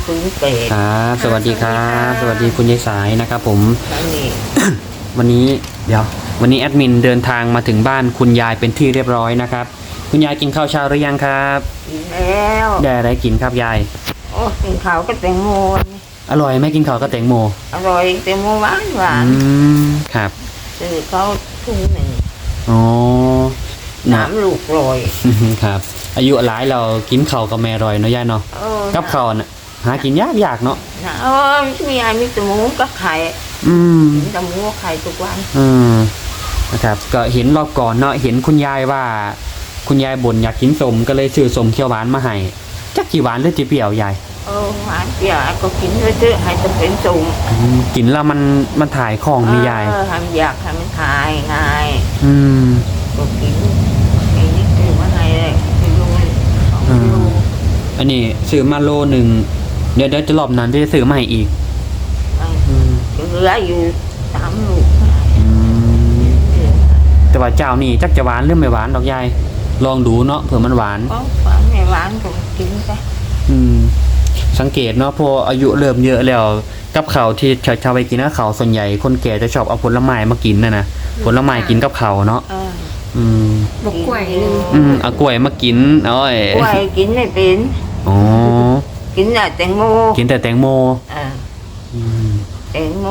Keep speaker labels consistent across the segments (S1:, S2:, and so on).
S1: 308
S2: ครับสวัสดีครับสวัสดีคุณยายสายนะครับผม
S1: นี่
S2: วันนี้วันนี้แอดมินเดินทางมาถึงบ้านคุณยายเป็นที่เรียบร้อยนะครับคุณยายกินข้าวเช้าหรือยังครับ
S1: กินแล้ว
S2: ได้อะไรกินครับยาย
S1: โอ้กินข้าวก็แตงโมนี่
S2: อร่อยไหมกินข้าวกับแตงโม
S1: อร่อยแตงโมหวานหวาน
S2: ครับ
S1: ซื้อเขาถุงหนึ่ง
S2: อ๋อนะ
S1: 3 ลูกลอย
S2: ครับ อายุหลายเรากินข้าวกับแม่อร่อยเนาะยายเนาะ กับข้าวน่ะหากินยากเนาะ
S1: นะมีอะไรมีแต่หมูกับไข่
S2: อืม
S1: กินแต่หมูกับไข่ทุกวัน
S2: นะครับก็เห็นรอบก่อนเนาะเห็นคุณยายว่า คุณยายบ่นอยากกินสมก็เลยซื้อสมเขียวหวานมาให้จักกี่หวานหรือจีเปรี้ยวยาย
S1: หวานเปรี้ยวก็กินเรื่อยๆให้จะเป็นสูง
S2: กินแล้วมันถ่ายของมียาย
S1: ทำอยากทำทายง่าย
S2: อืม
S1: ก็กินไอ้นี่คือว่าไงเลยคือดูของดู
S2: อันนี้ซื้อมาโลหนึ่งเดี๋ยวจะรอบนั้นจะซื้อมาให้อีก
S1: เหลืออยู่3 ลูก
S2: แต่ว่าเจ้านี่จักจะหวานหรือไม่หวานดอกยายลองดูเนาะเผื่อมันหวาน
S1: ก็หวานไม่หวานก็กินไป
S2: สังเกตเนาะพออายุเริ่มเยอะแล้วกับข้าวที่ชาวไปกินกับข้าวส่วนใหญ่คนแก่จะชอบเอาผลไม้มากินนะผลไม้กินกับข้าวเนาะ
S3: บอกกล้วยนึง
S2: เอากล้วยมากินเอาไอ้
S1: กล้วยกินไม่เป็น
S2: อ๋อ
S1: กินแต่แตงโม
S2: กินแต่แตงโม
S1: แตงโม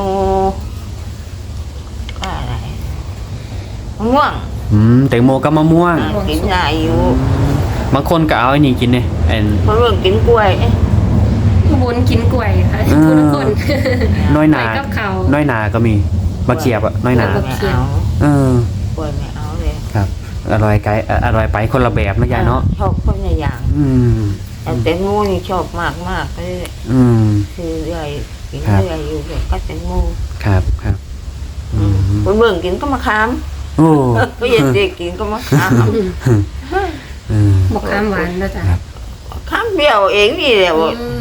S1: ก็อะไรมะม่วง
S2: แตงโมกับมะม่วง
S1: กินได้อยู่
S2: บางคนก็เอาไอ้นี่กินเนี่ยไอ้
S1: เพราะเรื่องกินกล้วย
S3: บนกินกล้วยค่ะทุกคน
S2: น้อยหนา
S3: ไปกับเขา
S2: น้อยหนาก็มีมะเขียบอะน้อยหนา
S1: ไม่เอา กล้วยไม่เอาเลย
S2: ครับอร่อยไกลอร่อยไปคนละแบบนะยายเนาะ
S1: ชอบคนละอย่าง แต่แตงโมนี่ชอบมากมากเลย คือเรื่อยกินเรื่อยอยู่เลยก็แตงโม
S2: ครับ
S1: คนเบิ่งกินก็มะขาม
S2: โอ้
S1: ก็ยังเด็กกินก็มะขาม
S3: บอกข้ามหวานนะจ๊ะ
S1: ขามเปรี้ยวเองนี่แหละ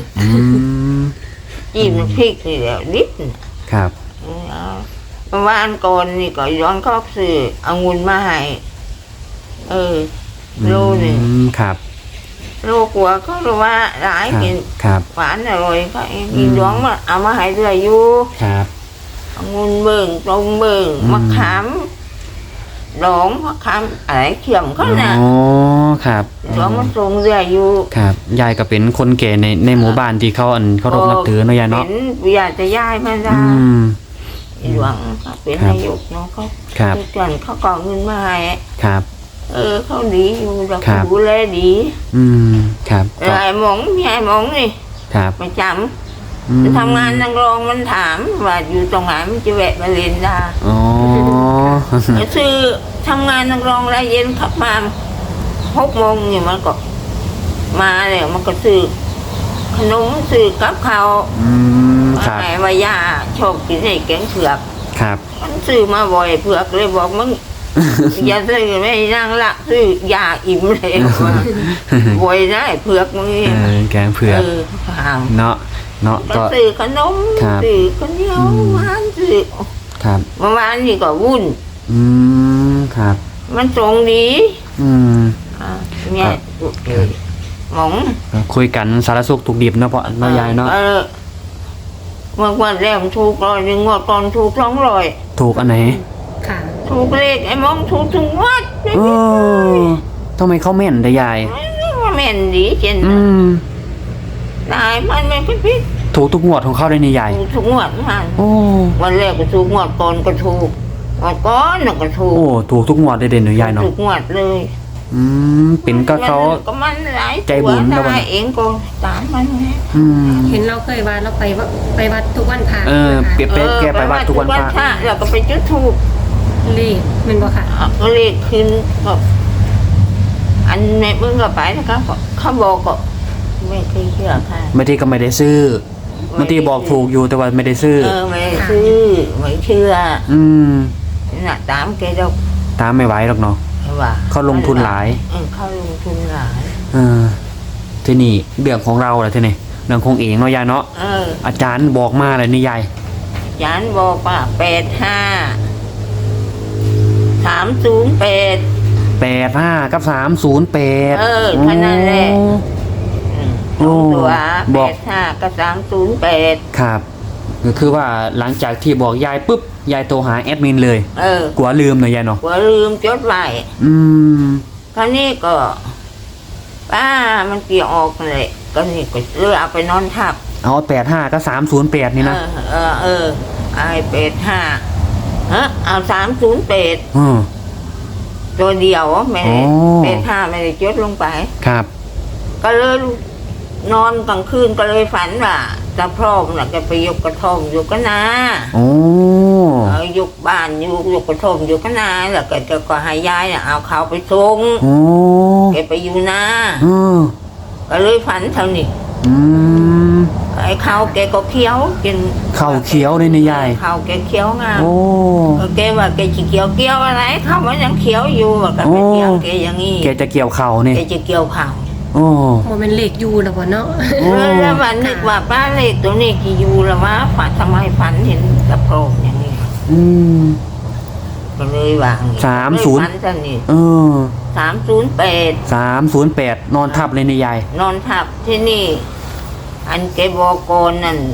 S1: จิ้มพริกนี่แหละนิด
S2: ครับ
S1: เมื่อวานก่อนนี่ก็ย้อนเข้าซื้อองุ่นมาให้โลหนึ่ง
S2: ครับ
S1: โลกว่าก็รู้ว่าหลายกิน
S2: ครับ
S1: หวานอร่อยก็กินย้อนมาเอามาให้เรื่อยอยู่
S2: ครับ
S1: องุ่นเบิ่งตรงเบิ่งมะขามดองมะขามอะไรเขียมเขาน่ะ
S2: อ๋อครับ
S1: ย้อนมาตรงเรื่อยอยู่
S2: ครับยายก็เป็นคนแก่ในหมู่บ้านที่เขารพนับถือเนาะยายเนาะ
S1: เป็นอยากจะย้ายมาได้หลวงเขาเป็นนายกเนาะเขาทุกเดือนเขาก่อเงินมาให้
S2: ครับ
S1: เขาดีอยู่เราดูแลดี
S2: ครับ
S1: ไอ้หมองมีไอ้หมองนี่
S2: ครับ
S1: ประจำจะทำงานนักร้องมันถามว่าอยู่ตรงไหนมันจะแวะมาเรียนได้
S2: อ๋อ
S1: ซื้อทำงานนักร้องรายเย็นขับมา6 โมงเนี่ยมันก็มาเลยมันก็ซื้อขนมซื้อกับข้าว
S2: ครับ
S1: ไอ้ว่ายาชอบกินไอ้แกงเผือก
S2: ครับ
S1: มันซื้อมาบ่อยเผือกเลยบอกมึง อย่าซื้อไม่นั่งละซื้อยาอิ่มเลยว่าบ่อยได้เผือกมึง
S2: แกงเผือกเนาะ
S1: ก็ซื้อขนม
S2: ครับ
S1: ซื้อข้าวเหนียวหวานซื้อ
S2: ครับ
S1: เมื่อวานนี่ก็วุ่น
S2: ครับ
S1: มันตรงดี เนี่ยหมอง
S2: คุยกันสารสุขถูกดิบเนาะเพราะเนาะยายเนาะ
S1: เมื่อวันแรกถูก100งวดก่อนถูก200
S2: ถูกอันไหน
S3: ค่ะ
S1: ถูกเลขไอ้หมองถูกทุกงวด
S2: ทำไมเขาแม่นได้ยาย
S1: ว่าแม่นดีเช่นนายมันไม่พิษ
S2: ถูกทุกงวดของเขาได้นี่ยาย
S1: ถูกทุกงวดมัน
S2: โอ้
S1: วันแรกก็ถูกงวดก่อนก็ถูกวันก่อนก็ถูก
S2: โอ้ถูกทุกงวดได้เด่นหรือยายเนาะ
S1: ถูกงวดเลย
S2: เป็นก็เขา
S1: ก็มันหลาย
S2: ใจบุญนะวะ
S1: ได้เองก็ตามมันไง
S3: เห็นเราเคยว่าเราไปวัดทุกวันพระ
S2: เปรียบแกไปวัดทุกวันพระ
S1: แล้วก็ไปจุดถูก
S3: เลขมันบอกค่ะ
S1: เลขขึ้นก็อันในเมื่อก็ไปนะครับเขาบอกก็ไม่เคยเชื่อค่ะ
S2: บางทีก็ไม่ได้ซื้อบางทีบอกถูกอยู่แต่ว่าไม่ได้ซื้อ
S1: ไม่ซื้อไม่เชื่อน่ะตามแกดอก
S2: ตามไม่ไหวหรอกเนาะ
S1: ว่า
S2: เขาลงทุนหลาย
S1: เขาลงทุนหลาย
S2: ที่นี่เรื่องของเราแหละที่นี่เรื่องของเองเนาะยายเนาะอาจารย์บอกมาเลยนี่ยาย
S1: อาจารย์บอกว่า
S2: 85
S1: 308
S2: กับ308
S1: แค่นั้นแหละสองตัว
S2: บ
S1: แป
S2: อก
S1: ดห้ากับ308
S2: ครับก็คือว่าหลังจากที่บอกยายปุ๊บยายโทรหาแอดมินเลย กลัวลืมหน่อยยายเนาะ
S1: กลัวลืมจดไว้
S2: อืม
S1: คราวนี้ก็ป้ามันเกี่ยวออกเลยก็นี่ก็เลยเอาไปนอนทับ
S2: เอา85ก็308นี่นะ
S1: ไอ้85เอา308
S2: อืม
S1: ตัวเดียวไม่ได้
S2: อ๋อ
S1: 85ไม่ได้จดลงไป
S2: ครับ
S1: ก็เลยนอนกลางคืนก็เลยฝันว่าตาพร้อมน่ะแกไปยกกระท่อมอยู่ก็นา
S2: โอ้
S1: ยกบ้านอยู่ยกกระท่อมอยู่ก็นาแล้วก็ให้ยายน่ะเอาเขาไปส่ง
S2: โอ้
S1: แกไปอยู่นา
S2: อืม
S1: ก็เลยฝันเท่านี้
S2: อืม
S1: ไอ้เขาแกก็เคี้ยวกิน
S2: ข้าวเขียวเลยนะยาย
S1: เขาแกเคี้ยวงาม
S2: โอ้
S1: แกว่าแกจะเกี่ยวเกี่ยวอะไรเขามันยังเคี้ยวอยู่ว่าก็ไปเกี่ยวแกอย่างนี้
S2: แกจะเกี่ยวเข่านี่
S1: แกจะเกี่ยวเขา
S2: โอ้
S3: บ่แม่นเลขอยู่แล้วบ่เนาะ
S2: โอ้
S1: แล้ววันนึกว่าป้าเล็กตัวนี้กี่อยู่ละวะฝันทำไมฝันเห็นกระโปรงอย่างนี้
S2: อืม
S1: ก็เลยวางอย่างนี้
S2: 30
S1: ฝันท่านนี่
S2: เออ
S1: 308
S2: 308นอนทับเลยนะยาย
S1: นอนทับที่นี่ อันแกบอกโกนนั่น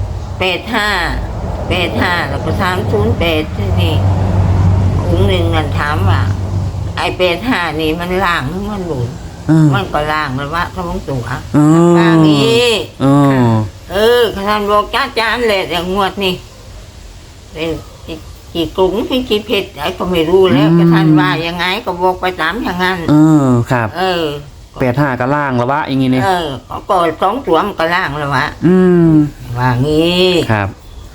S1: 85แล้วก็308ที่นี่องค์หนึ่งนั่นถามว่า ไอ้85นี่มันล่างหรือมันหลุด
S2: เออ
S1: มันก็ล่างเลยว่าท้องตัว
S2: เออ
S1: ล่างนี้
S2: เออ
S1: ท่านบอกจ้าจานเลยอย่างงวดนี่เป็นกี่กรุงพี่กี่เพชรไอ้ก็ไม่รู้แล้วก็ท่านว่ายังไงก็บอกไปตามอย่างนั้น
S2: เออครับ
S1: เออ
S2: 85ก็ล่างแล้ววะอย่างงี้นี่
S1: ก็กอดสองตัวมันก็ล่างแล้ววะ
S2: อืม
S1: ว่างี้
S2: ครับ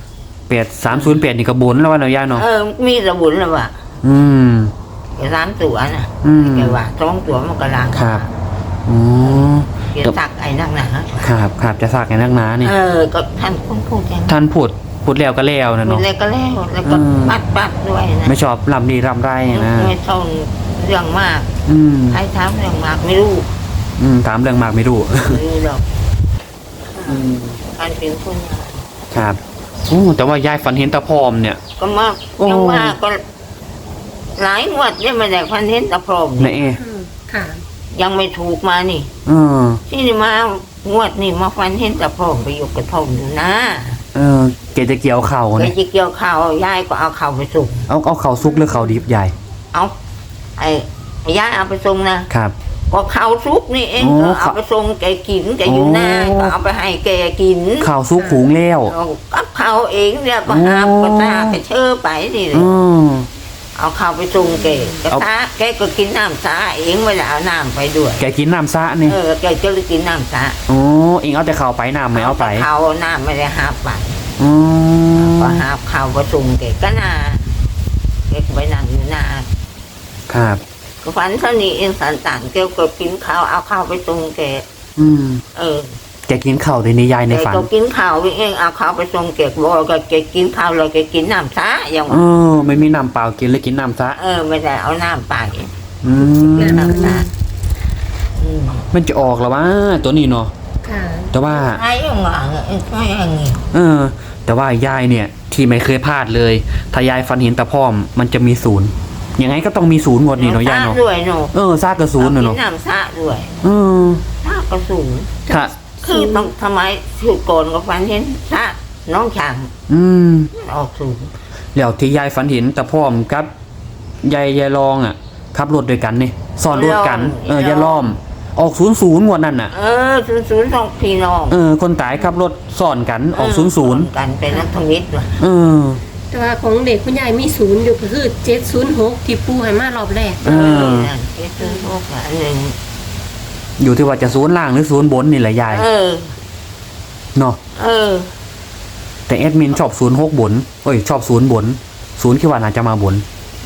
S2: 308นี่ก็บนแล้วว่าเนาะยายเนาะ
S1: มีระบุนแล้ววะ
S2: อืม
S1: แกสามตัวน่ะ
S2: อืม
S1: แกว่าสองตัวมันก็ล่าง
S2: ครับอ๋อ
S1: แกตักไอ้นั่งหนา
S2: ครับครับจะสักไงนักหนานี่
S1: ก็ท่านคนพูดอย่าง
S2: ท่านพูดแล้วก็แล้วนะ
S1: พูด
S2: เนาะ
S1: แล้วก็แล้วแล้วก็ปัดด้วยนะ
S2: ไม่ชอบลำดีลำไรนะ
S1: ไม่ต้องเรื่องมาก
S2: อืม
S1: ใครถามเรื่องมากไม่รู้
S2: ถามเรื่องมากไม่รู้
S1: ไม่รู้หรอก
S2: อืม
S1: การเป็นคนงาน
S2: ครับโอ้แต่ว่ายายฝันเห็นตาพร้อมเนี่ย
S1: ก็มาก
S2: โอ้
S1: ยังว่าก็หลายงวดเนี่ยมาแต่พันเห็นตะพรม
S2: ไหน
S1: นี่
S2: เอะ
S3: ค่ะ
S1: ยังไม่ถูกมานี่
S2: เออ
S1: ที่นี่มางวดนี่มาฟันเห็นตะพรมไปอยู่กระท่อมอยู่นะ
S2: เออแกจะเกี่ยวเข่า
S1: ไป
S2: เนี่ย
S1: จะเกี่ยวข้าวยายก็เอาข้าวไปส่ง
S2: เอาเข่าซุกหรือเข่าดิบใหญ่
S1: เอาไอ้ยายเอาไปส่งนะครับ ก็ข้าวซุกนี่เอง
S2: โอ้
S1: ก็เอาไปส่งแกกินแกอยู่หน้า
S2: โอ้
S1: ก็เอาไปให้แกกิน
S2: เข่าซุกหุงแล้ว
S1: เอากับข้าวเองเนี่ยก็หาบ
S2: โอ้
S1: ก็ตาไปเชื่อไปนี่เลย
S2: อืม
S1: เอาข้าวไปส่งแกกระ
S2: เอา
S1: ทะแกก็กินน้ำสาเองไม่ได้เอาน้ำไปด้วย
S2: แกกินน้ำซะนี่
S1: แกจะเลยกินน้ำสา
S2: โอ้เองเอาแต่เข่าไปน้ำไม่เอาไป
S1: เขาน้ำไม่ได้หาบไป
S2: อืม
S1: ก็หาบข้าวไปส่งแกก็นาแกก็ไปนั่งอยู่หน้า
S2: ครับ
S1: ก็ฝันเท่านี้เองสันต่างแกก็กินข้าวเอาข้าวไปส่งแก
S2: อืม
S1: เออ
S2: แกกินเข่าในนิยายใน
S1: แก
S2: ฝัน
S1: ก็กินข้าวเองเอาข้าวไปส่งแกบอกก็แกกินข้าวแล้วแกกินน้ำสาอย่าง
S2: เออไม่มีน้ำเปล่ากินเลยกินน้ำซะ
S1: ไม่ได้เอาน้ำไป
S2: อืม
S1: น้ำสาอืม
S2: มันจะออกแล้วว่าตัวนี้เนาะ
S3: ค่ะ
S2: แต่ว่า
S1: ไอ้ยังไงไม่อย่างงี้
S2: เออ แต่ว่ายายเนี่ย ที่ไม่เคยพลาดเลย ถ้ายายฟันเห็นตาพร้อม มันจะมีศูนย์ยังไงก็ต้องมีศูนย์หมดนี่เนาะยายเนาะ
S1: ด้วยเนาะ
S2: ซากกระศูนย์
S1: กิ
S2: เนาะ
S1: นน้ำสาด้วย
S2: เออ
S1: สากระสูง
S2: ค่ะ
S1: คือต้องทำไมถือโกนกับฟันเห็นสะน้องช่าง
S2: อืม
S1: ออกสูง
S2: แล้วที่ยายฝันเห็นตาพร้อมกับยายรองอ่ะขับรถด้วยกันนี่ซ้อนรถกันยายล้อม ออก00งวดนั่นน่ะ
S1: ศูนย์สองพี่น้อง
S2: คนตายขับรถซ้อนกันออก00
S1: กันเป็นนักทวิตว่ะ
S2: เออ
S3: แต่ว่าของเด็กคุณยายมีศูนย์อยู่ก็คือ706ที่ปูให้มารอบแรก
S2: เออ
S1: นั่นเจ็ดศูนย์หกอันหนึ่ง
S2: อยู่ที่ว่าจะศูนย์ล่างหรือศูนย์บนนี่แหละยายเนาะ แต่แอดมินชอบ06บนชอบ0บน0คิดว่าน่าจะมาบน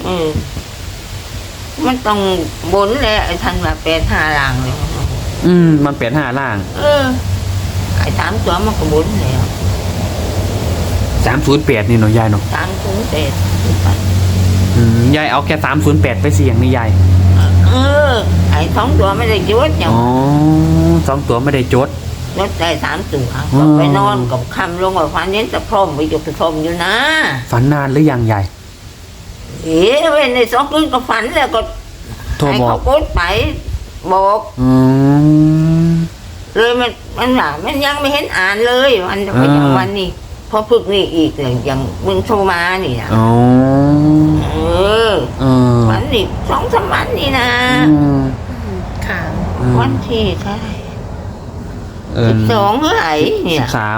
S1: มันต้องบนแหละไอ้ท่านว่า85ล่างเลย
S2: มันเป็น5ล่าง
S1: ไอ้3ตัวมันก็บนแล้ว
S2: 308นี่เนาะยายเนาะ
S1: 308
S2: ยายเอาแค่308ไปเสี่ยงนี่ยาย
S1: ไอ้2ตัวไม่ได้จุดอย่าง
S2: อ๋อ2ตัวไม่ได้จด
S1: รถได้3ตัวก็ไปนอนกับคำลงกับฟันเน้นตะพรมไปอยู่ตะพรมอยู่นะ
S2: ฝันนานหรือยังยาย
S1: เว้นใน2 คืนก็ฝันแล้วก็
S2: โทร
S1: ให้
S2: บอก
S1: เขากดไปบอก
S2: อืม
S1: เลยมันหนามันยังไม่เห็นอ่านเลยวันไปอย่างวันนี้พอฝึกนี่อีกเลยอย่างมึงโทรมานี่นะ
S2: อ๋อ
S1: เออ
S2: เออ
S1: วันนี้2-3 วันนี่นะ
S3: ค่ะ
S1: วันที่เท่าไหร่
S2: เออ
S1: 12เมื่อไหร่เนี่ย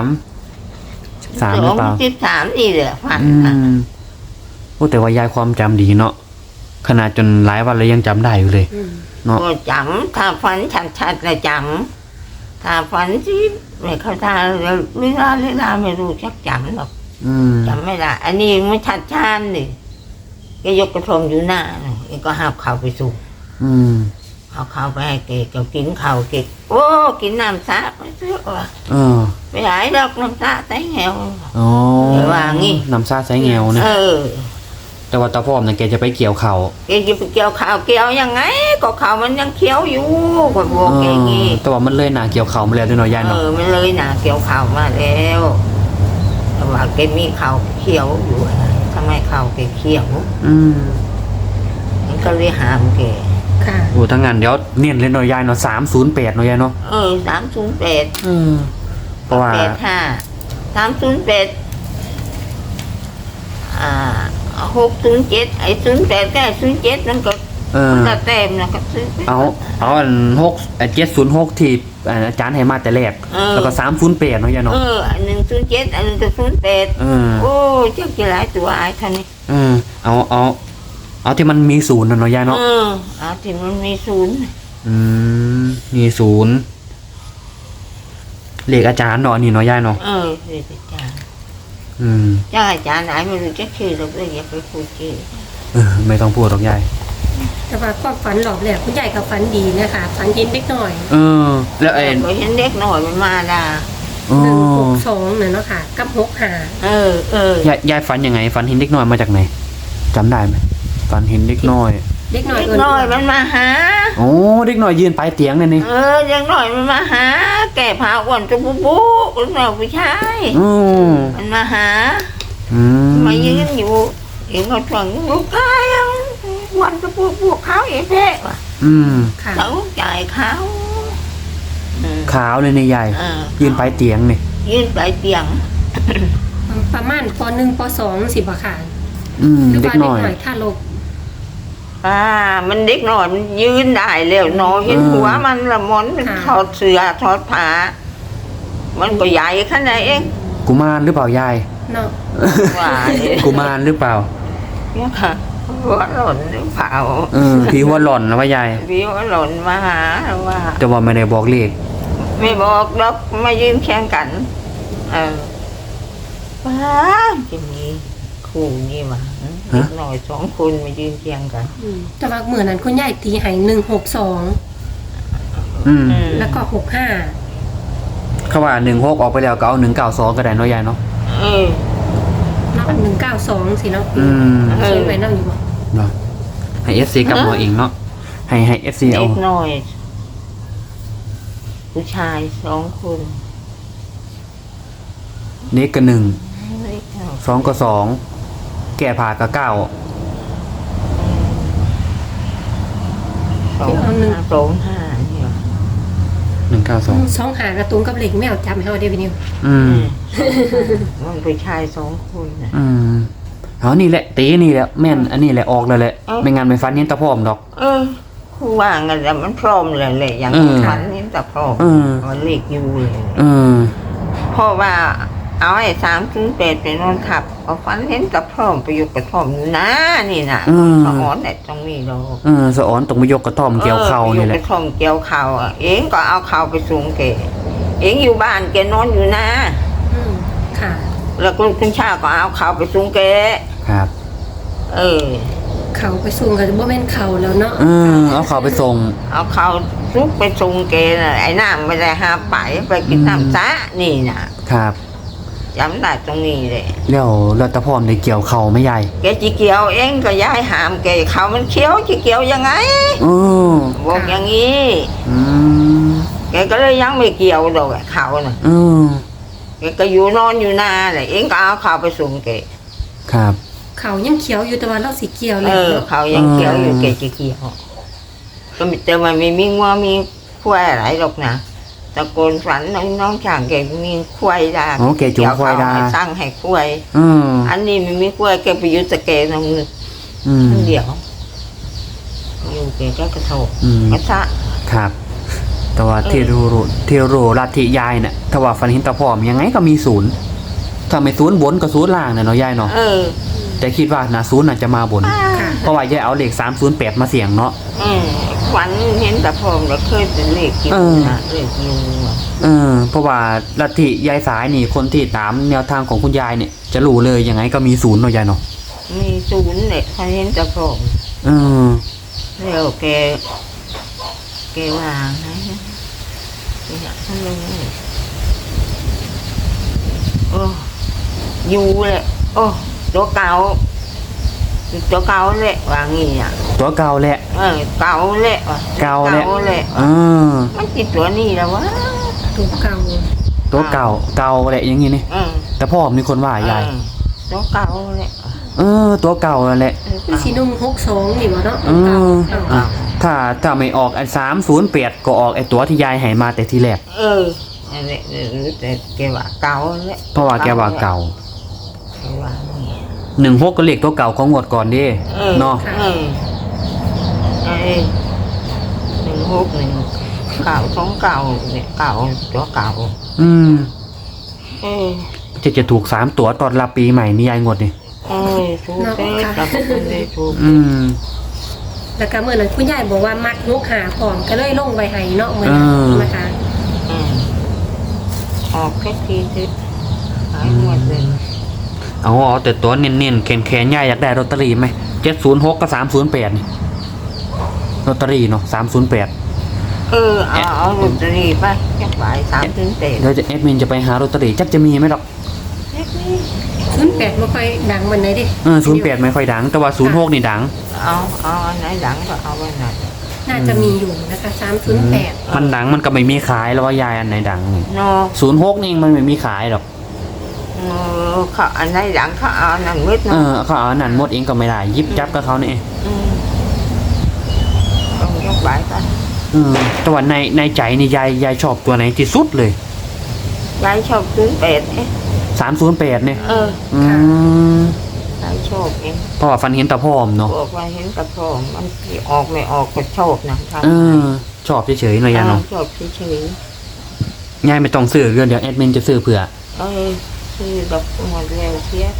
S2: 13หรือเปล่า
S1: 13นี่แหละฝัน
S2: อื
S1: นะ
S2: มโอ้แต่ว่ายายความจำดีเนาะขนาดจนหลายวันแล้วยังจำได้อยู่เลย
S3: อืม
S2: เนาะ
S1: ก็จำถ้าฝันชัดๆเลยจำถ้าฝันที่ไม่เข้าตาเวลาไม่รู้จักจำหรอก
S2: อืม
S1: จำไม่ได้ อันนี้ไม่ชัดชานนี่แกยกกระทงอยู่หน้าแกก็หาบข้าวไปสู่
S2: อืม
S1: เอาข้าวไปให้แกก็กินข้าวแกโอ้กินน้ำซะไปซื้อว่ะ
S2: เออ
S1: ไปหายดอกน้ำซะแต่แหว
S2: อ๋อ
S1: แต่ว่างี้
S2: น้ำซาใช้แงวนะ
S1: เออ
S2: แต่ว่าตาพ่อมเนี่ยแกจะไปเกี่ยวเขา
S1: แกจะไปเกี่ยวข้าวเกี่ยวยังไงก็ข้าวมันยังเคี้ยวอยู่ก็บอกแกงี้
S2: แต่ว่ามันเลยหนาเกี่ยวเขามาแล้วด้วยเนาะยาย
S1: เอ
S2: เนาะ
S1: อมันเลยนะเกี่ยวข้าวมาแล้วแต่ว่าแกมีข้าวเคี้ยวอยู่อะไรทำไมข้าวแกเคี้ยว
S2: อืม
S1: มันก็เลยหามแก
S3: ค่ะ
S2: โอ้ทั้งงานเดี๋ยวเนียนเลยเนาะยายเนาะ308เนาะยายเนาะ
S1: 308
S2: อืมเพราะว่า
S1: 308607ไอ้08กับ07มันก็
S2: เออ
S1: จะเต็มนะก็ซื้อไป
S2: เอาอัน706ที่อาจารย์ให้มาแต่แรก แล้วก็308เนาะยายเนาะ
S1: อันหนึ่ง07อันหนึ่งก็08
S2: เออ
S1: โอ้เจ้ากี่หลายตัวไอ้ท่านนี่
S2: เออเอาที่มันมีศูนย์น่ะเนาะยายเนาะ
S1: เอาที่มันมีศูนย์
S2: อืมมีศูนย์เลขอาจารย์เนาะอันนี่เนาะยายเนาะ
S1: เรียกอาจารย์
S2: อืม
S1: เจ้าอาจารย์ไหนไม่รู้จะชื่อเราเลยอย่าไปพูดชื่อ
S2: ไม่ต้องพูดหรอกยาย
S3: แต่ว่าความฝันหลอกแหลกคุณยายกับฝันดีนะคะฝันเห็นเด็กหน่อย
S2: เออ แล้วไอ้
S1: ก็เห็นเด็กหน่อยมันมาด่า
S3: 162เนี่ยเนาะค่ะ กับ65
S2: ยายฝันยังไงฝันเห็นเด็กน้อยมาจากไหนจำได้ไหมฝันเห็นเด็กน้อย
S3: เด็กหน่อย
S1: เด็กหน่อยมันมาหา
S2: โอ้เด็กน้อยยืนปลายเตียงเลยนี่
S1: เด็กหน่อยมันมาหา แก่ผ้าอ้วนจะปุ๊บปุ๊บลูกน้อยผู้ชาย
S2: อืม
S1: มันมาหา
S2: อืม
S1: มายืนอยู่เห็นเขาฝังลูกชายวันจะปุ๊บปุ๊บเขาเองแท้ว่ะ
S2: อืม
S3: ค่ะ
S1: เขาจ่ายเขา
S2: ขาวเลยนี่ยายยืนปลายเตียงนี่
S1: ยืนปลายเตียง
S3: ประมาณป .1 ป .2 สิบ่ค่ะ
S2: อืม
S3: หรือ
S2: เด็
S3: ว่าก เด็
S2: น้
S3: ก
S2: อย
S3: หน่อยถ้าลก
S1: มันเด็กหน่อยมันยืนได้แล้วนอนเห็นหัวมันละมอนมันถอดเสื้อถอดผ้ามันก็ใหญ่ขนาดเอง
S2: กุมารหรือเปล่ายาย
S3: เนาะ
S1: ว่าเนี่ย
S2: กุมารหรือเปล่า
S1: ค่ะหัวหล่นหรือเปล่า
S2: ผีหัวหล่อนนะว่ายาย
S1: พี่หัวหล่นมาหาว่า
S2: แต่ว่าไม่ได้บอกเลข
S1: ไม่บอกดอกมายืนแข่งกันป้าจะมีคู่นี่มาเด็กหน่อย2 คนมายืนเคียงกัน
S3: แต่ว่าเหมือนนั้นคุณยายตีให้162
S2: อืม
S3: แล้วก็65
S2: เขาว่า16ออกไปแล้วก็เอา192ก็ได้เนาะยายเนาะ
S3: เนาะ192สิเนาะ
S2: อืม
S3: เขียนไว้เนาะอยู่บ่
S2: เนาะให้ FC กับหมอเองเนาะให้ FC เอา
S1: เด็กหน่อย ผู้ชาย2 คน
S2: เด็กก็1
S1: เด็กหน่อย
S2: 2ก็2แก่ผ่าก็9
S1: 2-5เนี่ย
S2: 192
S3: 2หากระตุ้งกับเหล็กแมวจำให้เฮาได้พี่นิว
S2: อืม
S1: มันผู้ชาย2 คนนะ
S2: อืมเอานี่แหละตีนี่แหละแม่นอันนี้แหละออกเลยแหละ
S1: เอ้า
S2: ไม่งั้นไม่ฟันเห็นตะพร้อมดอก
S1: คู่ว่างันแต่มันพร้อมเลยเลยอย่างฝันนี่แต่พร้อมมันเล็กอยู่เลย
S2: เออ
S1: เพราะว่าเอาไอ้308ไปนอนขับเอาฝันเห็นแต่พร้อมไปอยู่กระท่อมอยู่นะนี่นะสอนแต่ตรงนี้เรา
S2: สะออนตรงไปยกกระท่อมเกี่ยวเข่านี่แห
S1: ก
S2: ละ
S1: ระท่อมเกี่ยวเข่าเองก็เอาเข่าไปสูงแกเองอยู่บ้านแกนอนอยู่นะ
S3: ค่ะ
S1: แล้วคุณชาก็เอาเข่าไปสูงแก
S2: ครับ
S3: เขาไปสูงก็บ่แม่นเขาแล้วเนาะ
S2: เอาเข่าไปส่ง
S1: เอาเขาซุกไปส่งแกน่ะไอ้น้ำไม่ได้หาไปกินน้ำซะนี่นะครับ จำได้ตรงนี้เลย
S2: แล้วตะพร้อมได้เกี่ยวเข่าไหม่ใหญ่
S1: แกจีเกี่ยวเองก็ย้ายหามแกเขามันเคี้ยวจีเกี่ยวยังไง บอกอย่างนี้ แกก็เลยยังไม่เกี่ยวดอกเขาน่ะแกก็อยู่นอนอยู่นาเลยเองก็เอาเขาไปส่งแก
S2: ครับ
S3: เขายังเขียวอยู่แต่ว่าเราสิเกี่ยวเลยเนาะ
S1: เขายังเกี่ยวอยู่แกจีเกี่ยวก็แต่มันไม่มีงัวมีควายอะไรหรอกนะตะโกนฝันน้องช่างแกมีควายดา
S2: อ๋อแกจูงควายดา
S1: เขสร้างให้ควาย อันนี้มันมีควายแกไปอยุตะแกนมือเดียวอยู่แกก็กระโถกกระทะ
S2: ครับ แต่ว่าเทโรลัทธิยายเนี่ยถ้าว่าฟันหินตะพร้อมยังไงก็มีศูนย์ถ้าไม่ศูนย์บนก็ศูนย์ล่างเนี่ยเนาะยายเนาะแต่คิดว่านะศูนย์น่ะจะมาบน
S3: ค่ะ
S2: เพราะว่ายายเอาเลข308มาเสี่ยงเนาะ
S1: ฝันเห็นตะพรมแล้วเคยเป็นเลขกินนะเลขยู
S2: เพราะว่าลัทธิยายสายนี่คนที่ตามแนวทางของคุณยายเนี่ยจะรู้เลยยังไงก็มีศูนย์เนาะยายเนาะ
S1: มีศูนย์เนี่ยพอเห็นตะพรมแล้วแกว่าไงอยากทำยังไงโอ้ยูเลยโอ้ตัวเก่าแหละว่างี้อ่ะ
S2: ตัวเก่าแหละ
S1: เก่าแหละว่ะ
S2: เก่าแหละ
S1: มันติดตัวนี้แล้ววะ
S3: ตัวเก่า
S2: ตัวเก่าแหละอย่างงี้นี่แต่พ่อมีคนว่ายาย
S1: ตัวเก่าแหละ
S2: ตัวเก่าแหละ
S3: คือสีนุ่ม62นี่บ่เนาะ
S2: ถ้าไม่ออกไอ้308ก็ออกไอ้ตัวที่ยายให้มาแต่ทีแรก
S1: นั่นแหละแต่แกว่าเก่าแหละ
S2: เพราะว่าแกว่าเก่า
S1: แกว่า
S2: 16ก็เลขตัวเก่าของงวดก่อนดิเนาะ
S1: เก่าของเก่าเนี่ยเก่าตัวเก่า
S2: จะถูก3ตัวตอนรับปีใหม่นี่ยายงวดนี่
S1: ถูกแต่ถูก
S3: แล้วก็เมื่อนั้นคุณยายบอกว่ามัก6หาพร้อมก็เลยลงไว้ให้เนาะมื้อนั้นนะคะ
S1: ออกแค่ทีนึงหายหมดเลย
S2: เอาแต่ตัวเน้นๆแขนๆยายอยากได้ลอตเตอรี่ไหม706กับ308นี่ลอตเตอรี่เนาะ308
S1: เอาลอตเตอรี่ไปจักบ่าย3-8
S2: เดี๋ยวแอดมินจะไปหาลอตเตอรี่จักจะมีไหมหรอก
S3: 08บ่ค่อยดังปานใดเด้
S2: 08ไม่ค่อยดังแต่ว่า06นี่ดัง
S1: เอาอันไหนดังก็เอาไว้หน่อย
S3: น่าจะมีอยู่นะคะ308
S2: มันดังมันก็ไม่มีขายแล้วว่ายายอันไหนดัง
S1: เนาะ
S2: 06นี่มันไม่มีขายหรอก
S1: เขาอันไหนดังเขาเอาหนังมืดเนาะ
S2: เขาเอาอันนั้นหมดเองก็ไม่ได้ยิบจับกับเขานี่
S1: ต้องยกบ่ายกัน
S2: แต่ว่าในใจนี่ยายชอบตัวไหนที่สุดเลย
S1: ยายชอบ
S2: 308เนี่ย
S1: ยายชอบเอง
S2: เพราะว่าฟันเห็นตะพร้อมเนาะ
S1: บอกว่าเห็นกระพงมันออกไม่ออกก็ชอบนะ
S2: ชอบเฉยๆเลยยายเนาะ
S1: ชอบเฉย
S2: ยายไม่ต้องซื้อเดี๋ยวแอดมินจะซื้อเผื่อ
S1: ซื้อดอกหมดแล้วเสีย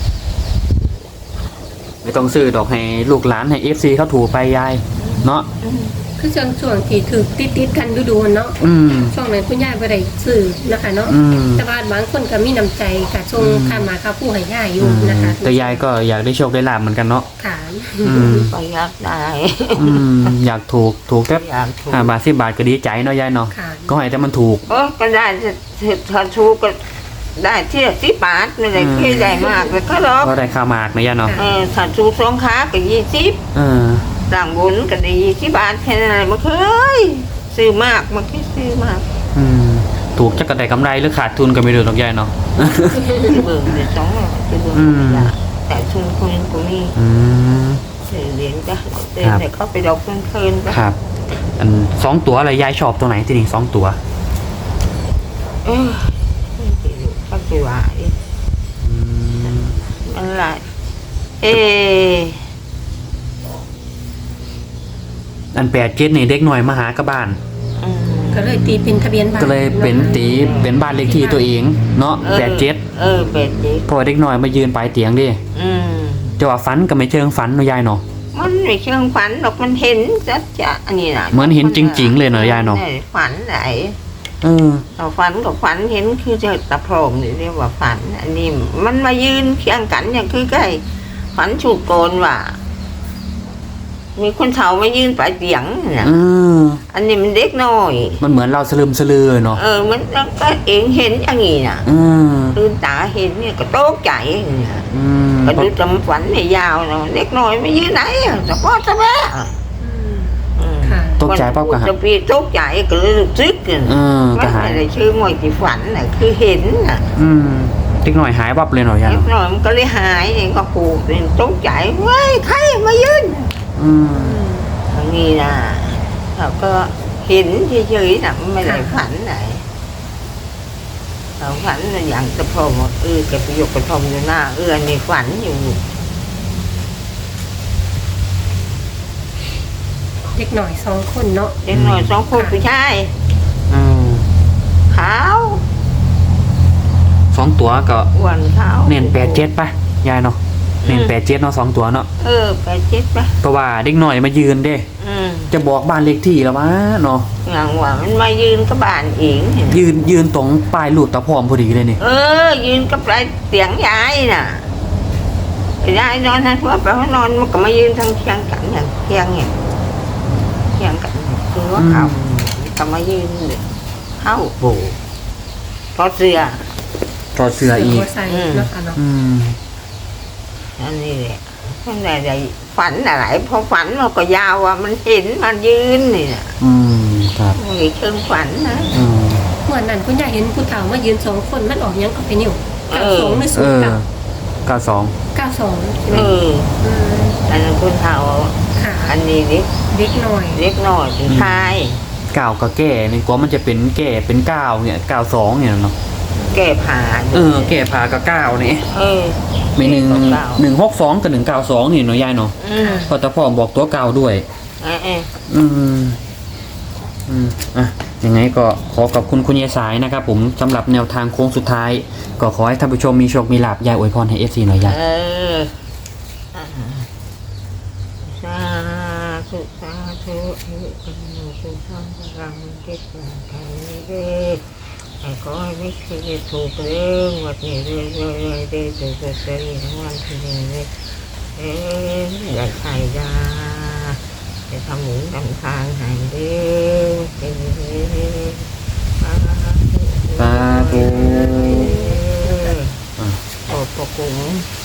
S2: ไม่ต้องซื้อดอกให้ลูกหลานให้ FC เขาถูกไปยายเนาะ
S3: คือช่วงที่ถือติดกันดูๆเนาะช่วงนั้นคุณยายบ่ได้ซื้อนะคะเนาะแต่ว่าบางคนก็มีน้ำใจก็ส่งค่ามาค่าผู้ให้ยายอยู่นะคะ
S2: แต่ยายก็อยากได้โชคได้ลาภเหมือนกันเนาะ
S3: ค่ะ
S1: ก็อยากได้
S2: อยากถูกแค่5 บาท10 บาทก็ดีใจเนาะยายเนาะก็ให้แต่มันถูก
S1: ก็ได้ถ้าถูกก็ได้ที่10 บาทไม่ได้เคยได้มากเลยก็หรอก
S2: ก็ได้ค่ามากนะยายเนาะ
S1: ถ้าถูก2 ขาก็20ต่างบุญก็ได้20 บาทแค่นั้นมันเคยซื้อมากมันเคยซื้อมาก
S2: ถูกจะกระได้กำไรหรือขาดทุนก็ไม่รู้หรอกยายเนาะ
S1: เบิ่งเดี๋ยว2จะเบิ่งแต่ทุนคนก็มีเหรียญก็เต้นแต่เขาไปดอกเพลินๆ
S2: ครับอัน2 ตัวอะไรยายชอบตัวไหนที่นี่2 ตัว
S1: ก็คือว่าอะไร
S2: อัน87นี่เด็กหน่อยมาหากระบ้าน
S3: ก็เลยตีเป็นทะเบียนบ้าน
S2: ก็เลยเป็นบ้านเลขที่ตัวเองเนาะ87
S1: 87
S2: พอเด็กหน่อยมายืนปลายเตียงดิจะว่าฝันก็ไม่เชิงฝันเนาะยายเนาะ
S1: มันไม่เชิงฝันหรอกมันเห็นจะอันนี้นะ
S2: เหมือนเห็นจริงๆเลยเนาะยายเนาะ
S1: ฝันไหนเราฝันกับฝันเห็นคือจะตะโพรงนี่เรียกว่าฝันอันนี้มันมายืนเคียงกันอย่างคือใกล้ฝันฉุกโกนว่ามีคนเฒ่ามายืนปลายเตียงนะอันนี้มันเด็กน้อย
S2: มันเหมือนเราสลึมสลือเนาะ
S1: มันก็เองเห็นอย่างนี้นะตื่นตาเห็นเนี่ยก็โต๊ะใจเนี่ยก็ดูจำฝันไม่ยาวเนาะเด็กน้อยมายืนไหนจะพ่อจะแม่
S2: ตกใจปั๊บก็
S1: จะปีตกใจก็เลยซึกกันไม่ได้ชื่อมวยที่ฝันน่ะคือเห็นน่ะ
S2: เด็กหน่อยหายปั๊บเลยหน่อย
S1: เด็กหน่อยมันก็เลยหายเองก็ผูกเป็นตกใจเว้ยใครมายืนอย่างนี้นะเขาก็เห็เห็นเฉยๆนะไม่ได้ฝันไหนเราฝันอย่างตะพอมแกไปยกกระทอมอยู่หน้านี่ฝันอยู่
S3: เด็กหน่อย2 คนเนาะ
S1: เด็กหน่อย2 คนผู้ชายขาว
S2: 2 ตัวก็
S1: อ้วนขาว
S2: เน้น87ป่ะยายเนาะเน้น87เนาะ2 ตัวเนาะ
S1: 87ป่ะ
S2: เพราะว่าเด็กหน่อยมายืนเด้จะบอกบ้านเลขที่แล้ววะเนาะ
S1: อย่างว่ามันมายืนกับบ้านเอง
S2: ยืนตรงปลายลูกตะพร้อมพอดีเลยนี่
S1: ยืนกับปลายเตียงยายน่ะยายนอนทางทั่วไปเขานอนมันก็มายืนทางเคียงกันอย่างเคียงกันคือว่าเขาก็มายืนเข้าโบถอดเสื้
S2: ออีก
S1: อันนี้แหละท่านใดฝันอะไรพอฝันมันก็ยาวว่ามันเห็นมันยืนนี่นะครับนี่เชิงฝันนะ
S3: เหมือนนั้นคุณยายเห็นผู้เฒ่ามายืน2 คนมันออกยังก็เป็นอยู่92หรือ
S2: 92
S1: อันนั้นคุณเฒ่าอันนี้เด็กหน่อยผู้ชาย
S2: 9ก็แก่นี่กว่ามันจะเป็นแก่เป็น9เนี่ย92เนี่ยเนาะ
S1: แก่ผ่า
S2: แก่ผ่ากับ9นี่มี162กับ192นี่เนาะยายเนาะพอตะพร้อมบอกตัว9ด้วยยังไงก็ขอขอบคุณคุณยายสายนะครับผมสำหรับแนวทางโค้งสุดท้ายก็ขอให้ท่านผู้ชมมีโชคมีลาภยายอวยพรให้ FC หน่อยยาย
S1: สาธุสุขังพลังเก็บเงินไทยเด้อขอให้ไม่เคยถูกเรื่องวัดนี้เลยถูกเสียทั้งวันทีนี้อย่าใส่ยาจะทำหนุนทำทางให้เด้อ
S2: สาธุ
S1: ขอบพระคุณ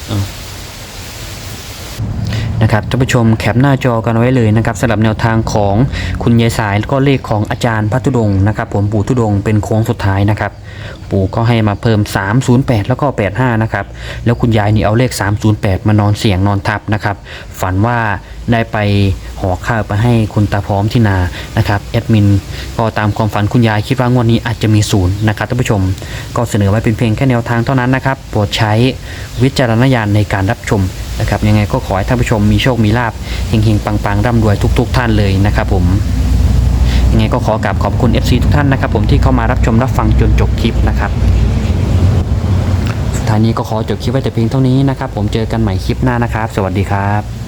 S2: นะครับท่านผู้ชมแคปหน้าจอกันไว้เลยนะครับสำหรับแนวทางของคุณยายสายแล้วก็เลขของอาจารย์พระธุดงค์นะครับผมปู่ธุดงค์เป็นโค้งสุดท้ายนะครับปู่ก็ให้มาเพิ่ม308แล้วก็85นะครับแล้วคุณยายนี่เอาเลข308มานอนเสี่ยงนอนทับนะครับฝันว่าได้ไปห่อข้าวไปให้คุณตาพร้อมที่นานะครับแอดมินก็ตามความฝันคุณยายคิดว่างวดนี้อาจจะมี0นะครับท่านผู้ชมก็เสนอไว้เป็นเพียงแค่แนวทางเท่านั้นนะครับโปรดใช้วิจารณญาณในการรับชมนะครับยังไงก็ขอให้ท่านผู้ชมมีโชคมีลาภเฮงๆปังๆร่ำรวยทุกท่านเลยนะครับผมยังไงก็ขอกราบขอบคุณ FC ทุกท่านนะครับผมที่เข้ามารับชมรับฟังจนจบคลิปนะครับสุดท้ายนี้ก็ขอจบคลิปไว้แต่เพียงเท่านี้นะครับผมเจอกันใหม่คลิปหน้านะครับสวัสดีครับ